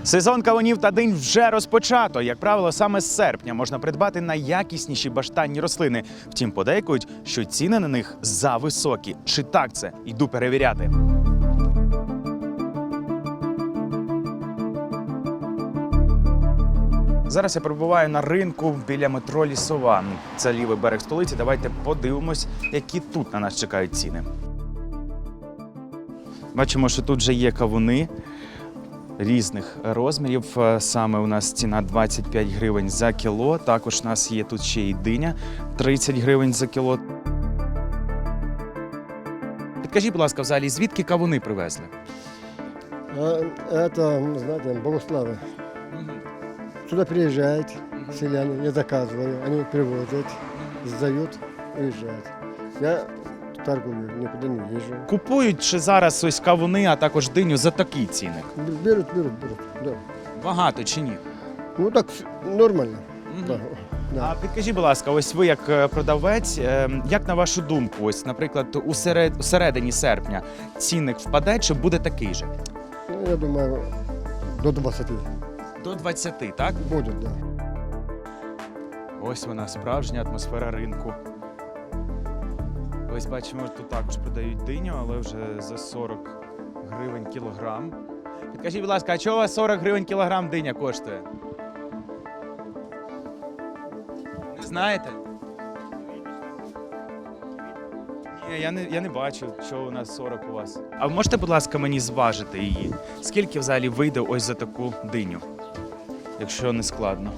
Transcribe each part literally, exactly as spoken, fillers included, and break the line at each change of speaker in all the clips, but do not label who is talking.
Сезон кавунів та динь вже розпочато. Як правило, саме з серпня можна придбати найякісніші баштанні рослини. Втім, подейкують, що ціни на них зависокі. Чи так це? Йду перевіряти. Зараз я перебуваю на ринку біля метро Лісова. Це лівий берег столиці. Давайте подивимось, які тут на нас чекають ціни. Бачимо, що тут вже є кавуни різних розмірів. Саме у нас ціна двадцять п'ять гривень за кіло. Також у нас є тут ще й диня тридцять гривень за кіло. Підкажіть, будь ласка, взагалі, звідки кавуни привезли?
Это, знаете, Богославы. Сюда приезжают селяне, я заказываю, они привозят, сдают, уезжают. Я торгую, никуда не езжу.
Купують чи зараз ось кавуни, а також диню за такі ціни?
Берут, берут, берут, да.
Багато чи ні?
Ну так нормально.
Мгм.
Да.
А
Да.
підкажіть, будь ласка, ось ви як е, продавець, е, як на вашу думку, ось, наприклад, у серед... у середині серпня цінник впаде, чи буде такий же?
Ну, я думаю, до двадцати
До двадцяти, так?
будет, да.
Ось вона, справжня атмосфера ринку. Ось бачимо, тут також продають диню, але вже за сорок гривень кілограм. Підкажіть, будь ласка, а чого у вас сорок гривень кілограм диня коштує? Не знаєте? Ні, я не, я не бачу, що у нас сорок у вас. А ви можете, будь ласка, мені зважити її? Скільки взагалі вийде ось за таку диню? Якщо не складно.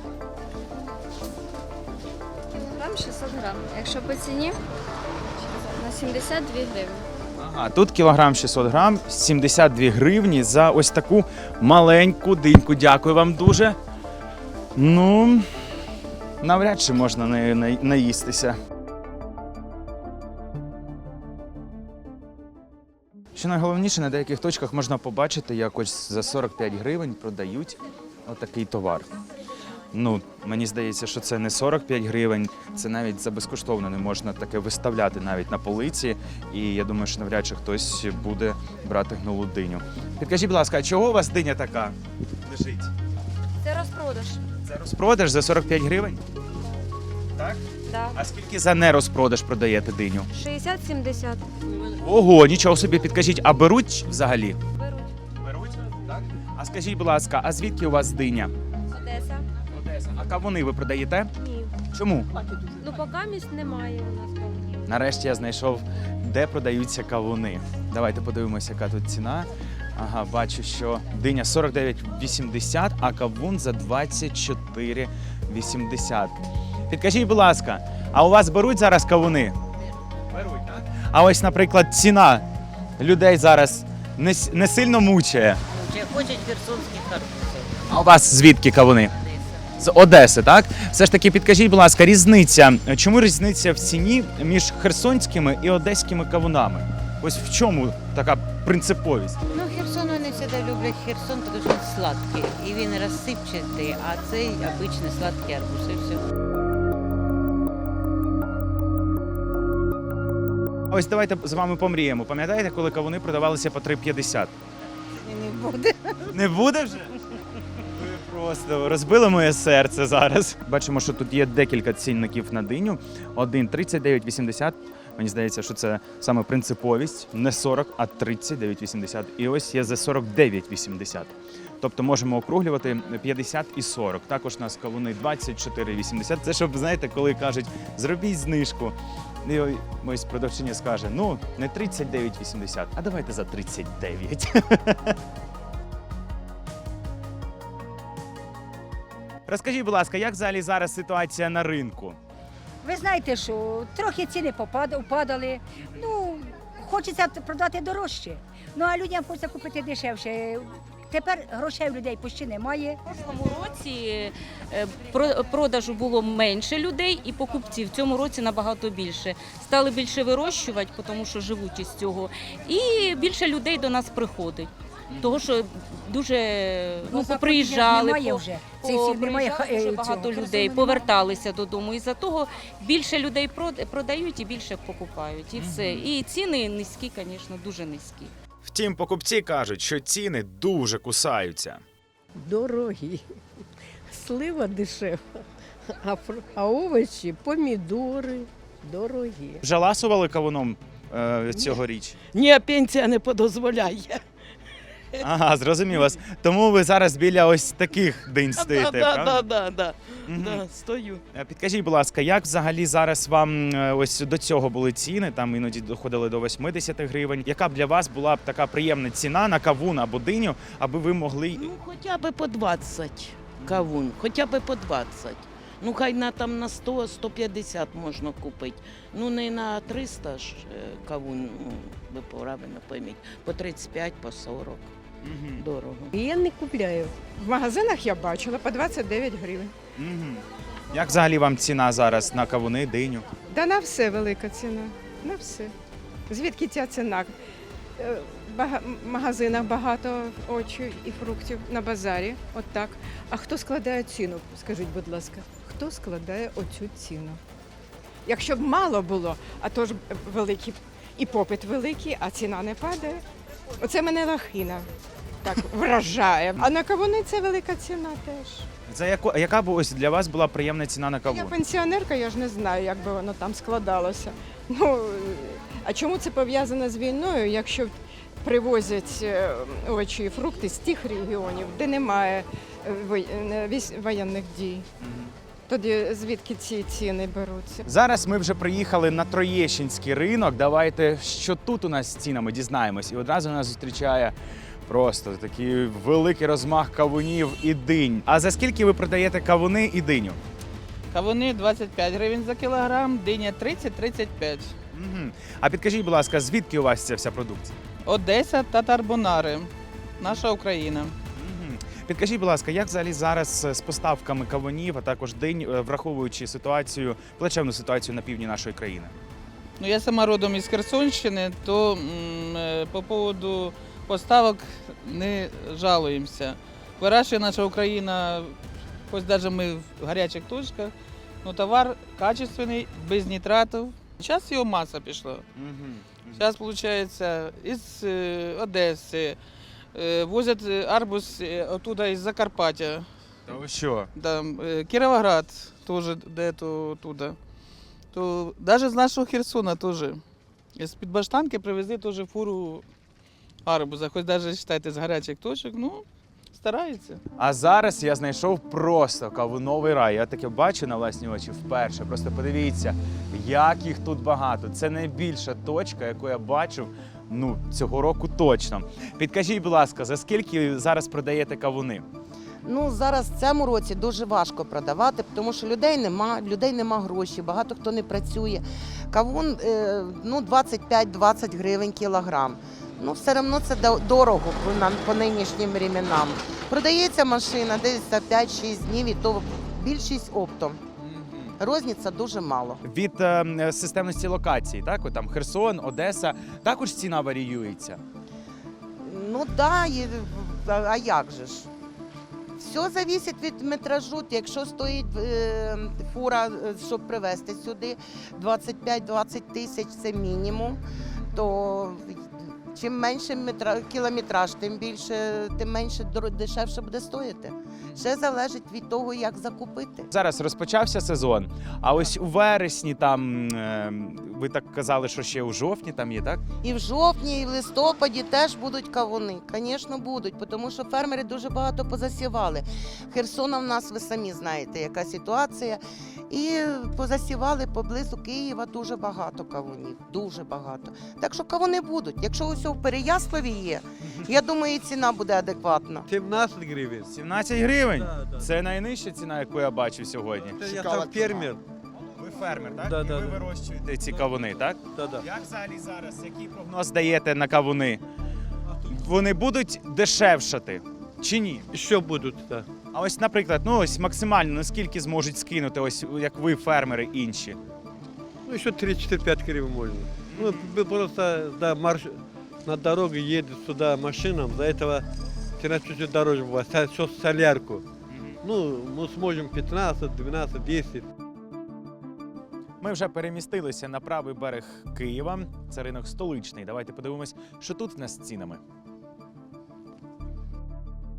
Кілограм шістсот грам. Якщо по ціні, на сімдесят дві гривні.
Ага, тут кілограм шістсот грам, сімдесят дві гривні за ось таку маленьку диньку. Дякую вам дуже. Ну, навряд чи можна нею на- наїстися. Що найголовніше, на деяких точках можна побачити, як ось за сорок п'ять гривень продають отакий товар. Ну, мені здається, що це не сорок п'ять гривень, це навіть за безкоштовно не можна таке виставляти навіть на полиці. І я думаю, що навряд чи хтось буде брати гнилу диню. Підкажіть, будь ласка, а чого у вас диня така лежить?
Це розпродаж.
Це розпродаж за сорок п'ять гривень? Так?
Да.
А скільки за нерозпродаж продаєте диню?
шістдесят сімдесят.
Ого, нічого собі, підкажіть, а беруть взагалі?
Беруть.
Беруть? Так. А скажіть, будь ласка, а звідки у вас диня?
Одеса.
Одеса. А кавуни ви продаєте?
Ні.
Чому?
Ну, поки місць немає у нас кавунів.
Нарешті я знайшов, де продаються кавуни. Давайте подивимося, яка тут ціна. Ага, бачу, що диня сорок дев'ять вісімдесят, а кавун за двадцять чотири вісімдесят. Підкажіть, будь ласка, а у вас беруть зараз кавуни? Беруть, так? А ось, наприклад, ціна людей зараз не, с- не сильно мучає.
Чи хочуть херсонських арбузів.
А у вас звідки кавуни? З Одеси, так? Все ж таки, підкажіть, будь ласка, різниця. Чому різниця в ціні між херсонськими і одеськими кавунами? Ось в чому така принциповість?
Ну, Херсон вони завжди люблять Херсон, тому що він сладкий. І він розсипчатий, а цей обичний сладкий арбуз. І все.
Ось давайте з вами помріємо. Пам'ятаєте, коли кавуни продавалися по три п'ятдесят?
Не буде.
Не буде вже? Ви просто розбили моє серце зараз. Бачимо, що тут є декілька цінників на диню. Один тридцять дев'ять вісімдесят. Мені здається, що це саме принциповість. Не сорок, а тридцять дев'ять вісімдесят. І ось є за сорок дев'ять вісімдесят. Тобто можемо округлювати п'ятдесят і сорок. Також у нас кавуни двадцять чотири вісімдесят. Це щоб, знаєте, коли кажуть, зробіть знижку. І ось продавчиня скаже, ну, не тридцять дев'ять вісімдесят, а давайте за тридцять дев'ять. Розкажіть, будь ласка, як взагалі зараз ситуація на ринку?
Ви знаєте, що трохи ціни попад- впадали. Ну, хочеться продати дорожче. Ну а людям хочеться купити дешевше. Тепер грошей у людей почти немає.
В прошлому році е, про- продажу було менше людей і покупців. В цьому році набагато більше. Стали більше вирощувати, тому що живуть із цього. І більше людей до нас приходить. Того, що дуже ну,
Бо
поприїжджали,
немає
по-
вже. Цих всіх немає,
поприїжджали
е,
дуже
цього,
багато
Херсону
людей,
немає.
поверталися додому. І за того більше людей прод- продають і більше покупають. І все. І ціни низькі, звісно, дуже низькі.
Втім, покупці кажуть, що ціни дуже кусаються.
Дорогі. Слива дешева, а, фру- а овочі, помідори дорогі.
Вже ласували кавуном е, цьогоріч?
Ні, пенсія не подозволяє.
Ага, зрозумів вас. Тому ви зараз біля ось таких динь стоїте,
Да, да,
правда?
да, да,
Мгм.
да, стою.
Е, Підкажіть, будь ласка, як взагалі зараз вам е, ось до цього були ціни? Там іноді доходили до вісімдесят гривень. Яка б для вас була б така приємна ціна на кавун або диню, аби ви могли.
Ну, хоча б по двадцять кавун, хоча б по двадцять. Ну, хай на там на сто - сто п'ятдесят можна купити. Ну, не на триста ж е, кавун, ну, ви правильно пойміть, по тридцять п'ять, по сорок.
Мгм.
Дорого.
Я не купляю. В магазинах я бачила по двадцять дев'ять гривень.
Мгм. Як взагалі вам ціна зараз на кавуни, диню?
Да на все велика ціна. На все. Звідки ця ціна? Е, В бага- в магазинах багато овочів і фруктів на базарі. От так. А хто складає ціну? Скажіть, будь ласка, хто складає оцю ціну? Якщо б мало було, а то ж великий і попит великий, а ціна не падає. Оце мене лахина так вражає. А на кавуни це велика ціна теж.
За яку яка б ось для вас була приємна ціна на
Я
кавун?
пенсіонерка, я ж не знаю, як би воно там складалося. Ну, а чому це пов'язано з війною, якщо привозять е, овочі і фрукти з тих регіонів, де немає е, вой- е, військ- воєнних дій? Тоді звідки ці ціни беруться?
Зараз ми вже приїхали на Троєщинський ринок. Давайте, що тут у нас з цінами, дізнаємось. І одразу нас зустрічає просто такий великий розмах кавунів і динь. А за скільки ви продаєте кавуни і диню?
Кавуни двадцять п'ять гривень за кілограм, диня тридцять - тридцять п'ять.
Угу. А підкажіть, будь ласка, звідки у вас ця вся продукція?
Одеса та Тарбунари. Наша Україна.
Угу. Підкажіть, будь ласка, як взагалі зараз з поставками кавунів, а також динь, е, враховуючи ситуацію, плачевну ситуацію на півдні нашої країни?
Ну, я сама родом із Херсонщини, то м, е, по поводу поставок не жалуємося. Вирощує наша Україна, хоч навіть ми в гарячих точках, ну товар качественний, без нітратів. Зараз його маса пішла.
Угу.
Зараз, виходить, із е, Одеси, е, возять арбуз е, оттуда із Закарпаття.
Та ви що?
Там, е, Кіровоград теж де-то туди. То навіть з нашого Херсона теж. З-під Баштанки привезли теж фуру арбуза. Хоч навіть, вважайте, з гарячих точок, ну, стараються.
А зараз я знайшов просто кавуновий рай. Я таке бачу на власні очі вперше. Просто подивіться, як їх тут багато. Це найбільша точка, яку я бачив ну, цього року точно. Підкажіть, будь ласка, за скільки зараз продаєте кавуни?
Ну, зараз в цьому році дуже важко продавати, тому що людей нема, людей нема грошей, багато хто не працює. Кавун е, ну, двадцять п'ять - двадцять гривень кілограм. Ну, все одно це до- дорого по, нам- по нинішнім временам. Продається машина десь за п'ять-шість днів, і то більшість оптом. Розниця дуже мало.
Від е, системності локації, так? От там Херсон, Одеса, також ціна варіюється.
Ну да, і, а, а як же ж? Все залежить від метражу. Якщо стоїть е, фура, е, щоб привезти сюди двадцять п'ять - двадцять тисяч, це мінімум, то чим менше метра, кілометраж, тим більше, тим менше дор- дешевше буде стоїти. Ще залежить від того, як закупити.
Зараз розпочався сезон, а ось у вересні там, е, ви так казали, що ще у жовтні там є, так?
І в жовтні, і в листопаді теж будуть кавуни. Звісно, будуть, тому що фермери дуже багато позасівали. Херсона в нас, ви самі знаєте, яка ситуація. І позасівали поблизу Києва дуже багато кавунів, дуже багато. Так що кавуни будуть. Якщо усе в Переяславі є, я думаю, і ціна буде адекватна.
сімнадцять гривень.
сімнадцять гривень?
Да, да.
Це найнижча ціна, яку я бачив сьогодні.
Це я там фермер.
Ви фермер, так?
Да,
І
да,
ви
да.
вирощуєте ці кавуни, так?
Да, да.
Як взагалі зараз, який прогноз даєте на кавуни? Вони будуть дешевшати чи ні?
Що будуть, так.
А ось, наприклад, ну ось максимально наскільки зможуть скинути, ось як ви, фермери інші?
Ну, ще три-чотири-п'ять гривень можна. Ну, б- просто да, марш... на дороге едет сюда машинам, за этого цена чуть-чуть дороже бывает, со- со- солярку. Ну, мы сможем пятнадцать, двенадцать, десять.
Ми вже перемістилися на правий берег Києва. Це ринок столичний. Давайте подивимось, що тут в нас з цінами.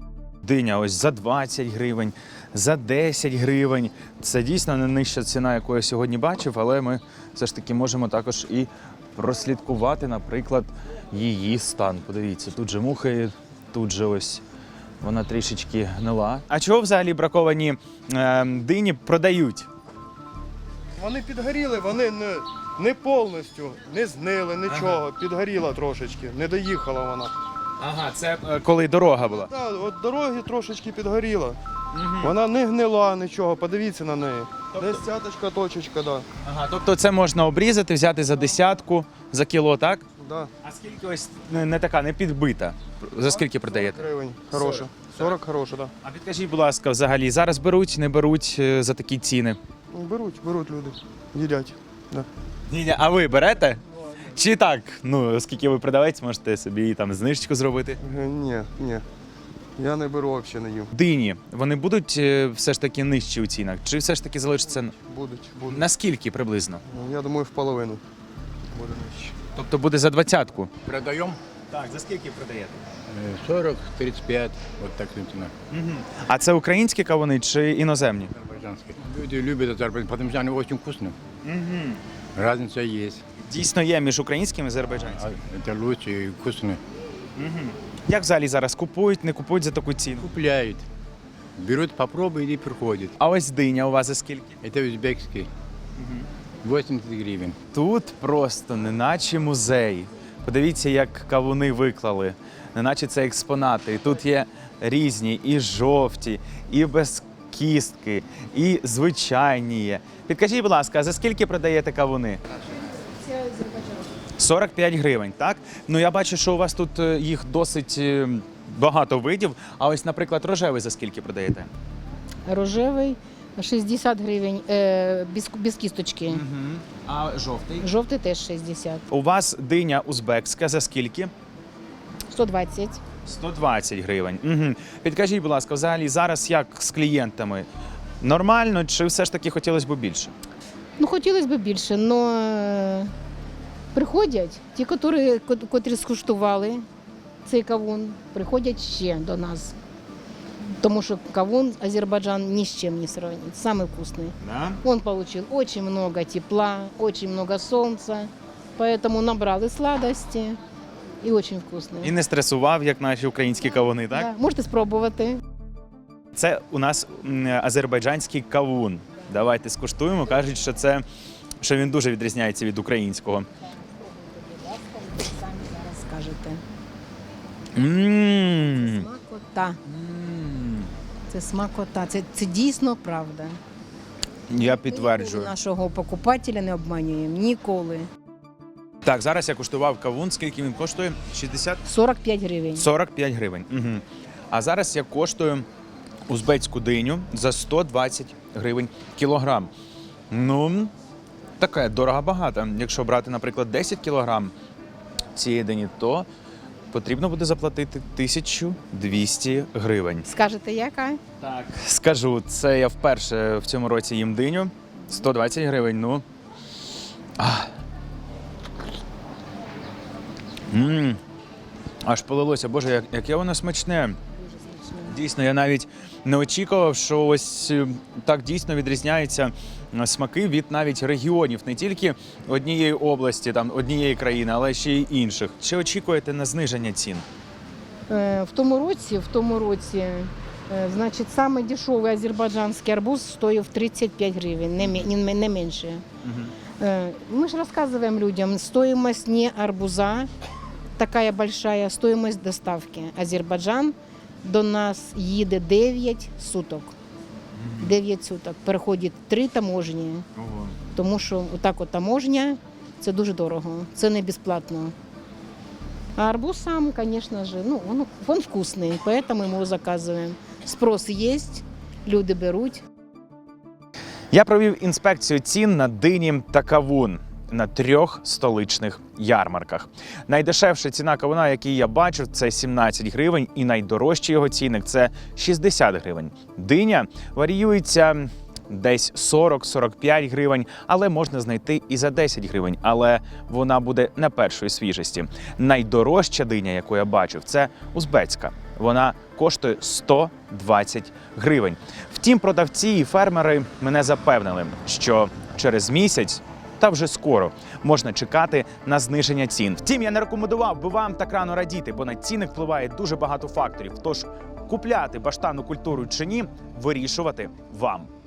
диня ось за двадцять гривень, за десять гривень. Це дійсно не нижча ціна, яку я сьогодні бачив, але ми все ж таки можемо також і прослідкувати, наприклад, її стан. Подивіться, тут же мухи, тут же ось вона трішечки гнила. А чого взагалі браковані е, дині продають?
Вони підгоріли, вони не, не повністю, не знили, нічого. Підгоріла трошечки, не доїхала вона.
Ага, це е, коли дорога була.
Так, от дороги трошечки підгоріла. Вона не гнила нічого, подивіться на неї. Десь цяточка, точечка, да.
Ага, тобто це можна обрізати, взяти за десятку, за кіло, так?
Да.
А скільки ось не, не така, не підбита? За скільки продаєте?
сорок гривень, хороша. сорок хороша, так.
А підкажіть, будь ласка, взагалі, зараз беруть, не беруть е, за такі ціни?
Да. Беруть, беруть люди, їдять. Да.
Ні, а ви берете? Чи так? Ну, оскільки ви продавець, можете собі там знижечку зробити.
Е, Ні, ні. Я не беру, взагалі не їм.
Дині, вони будуть е, все ж таки нижчі у цінах? Чи все ж таки залишиться?
Будуть, будуть.
Наскільки приблизно?
Ну, я думаю, в половину буде нижче.
Тобто буде за двадцятку?
Продаем
Так, за скільки продаєте?
сорок тридцать пять, вот так цена.
Угу. А це українські кавуни чи іноземні?
Азербайджанские. Люди любят Азербайджан, потому что они очень вкусные.
Угу.
Разница есть.
Дійсно є між українськими і азербайджанськими.
А это лучше и вкусные.
Угу. Як взагалі зараз купують, не купують за таку ціну?
Купляют. Берут, попробуют и приходят.
А ось диня у вас за скільки?
Это узбекский. восемьдесят гривен.
Тут просто неначе музей. Подивіться, як кавуни виклали, неначе це експонати. І тут є різні, і жовті, і без кістки, і звичайні є. Підкажіть, будь ласка, а за скільки продаєте кавуни? сорок п'ять гривень, так? Ну я бачу, що у вас тут е, їх досить е, багато видів. А ось, наприклад, рожевий за скільки продаєте?
Рожевий шістдесят гривень, е, без, без кісточки.
Угу. А жовтий?
Жовтий теж шістдесят.
У вас диня узбекська за скільки?
сто двадцять.
сто двадцять гривень. Угу. Підкажіть, будь ласка, взагалі зараз як з клієнтами? Нормально чи все ж таки хотілося б більше?
Ну, хотілося б більше, але приходять ті, котрі, котрі скуштували цей кавун, приходять ще до нас. Тому что кавун Азербайджан ни с чем не сравнить. Самый вкусный.
Да?
Он получил очень много тепла, очень много солнца, поэтому набрал и сладости, и очень вкусный.
І не стресував, як наші українські кавуни, так?
Да, можете спробувати.
Це у нас м, азербайджанський кавун. Давайте скуштуємо. Кажуть, що це що він дуже відрізняється від українського.
Самі зараз скажете.
Мм.
Смакота. Це смакота. Це, це дійсно правда.
Я підтверджую.
Ми нашого покупателя не обманюємо ніколи.
Так, зараз я куштував кавун. Скільки він коштує? шістдесят?
сорок п'ять гривень.
сорок п'ять гривень. Угу. А зараз я коштую узбецьку диню за сто двадцять гривень кілограм. Ну, таке дорого-багато. Якщо брати, наприклад, десять кілограм цієї дині, то потрібно буде заплатити тисячу двісті гривень.
Скажете, яка?
Так. Скажу, це я вперше в цьому році їм диню. сто двадцять гривень, ну. Ах. Мм. Аж полилося. Боже, як, яке воно смачне. Дійсно, я навіть не очікував, що ось е, так дійсно відрізняються е, смаки від навіть регіонів, не тільки однієї області, там, однієї країни, але ще й інших. Чи очікуєте на зниження цін?
Е, В тому році, в тому році, е, значить, самий дешевий азербайджанський арбуз стоїв тридцять п'ять гривень, не, мі- не, не менше.
Угу.
Э, Мы же рассказываем людям стоимость не арбуза, такая большая стоимость доставки. Азербайджан до нас їде дев'ять суток. дев'ять суток. Переходить три таможні.
Ого.
Тому що отак от таможня – це дуже дорого, це не безплатно. А арбуз сам, звісно ж, ну, он, он вкусний, поэтому ми його заказуємо. Спрос є, люди беруть.
Я провів інспекцію цін на дині та кавун на трьох столичних ярмарках. Найдешевша ціна кавуна, який я бачив, це сімнадцять гривень, і найдорожчий його цінник – це шістдесят гривень. Диня варіюється десь сорок - сорок п'ять гривень, але можна знайти і за десять гривень, але вона буде не першої свіжості. Найдорожча диня, яку я бачив, це узбецька. вона коштує сто двадцять гривень. Втім, продавці і фермери мене запевнили, що через місяць та вже скоро можна чекати на зниження цін. Втім, я не рекомендував би вам так рано радіти, бо на ціни впливає дуже багато факторів. Тож купляти баштанну культуру чи ні, вирішувати вам.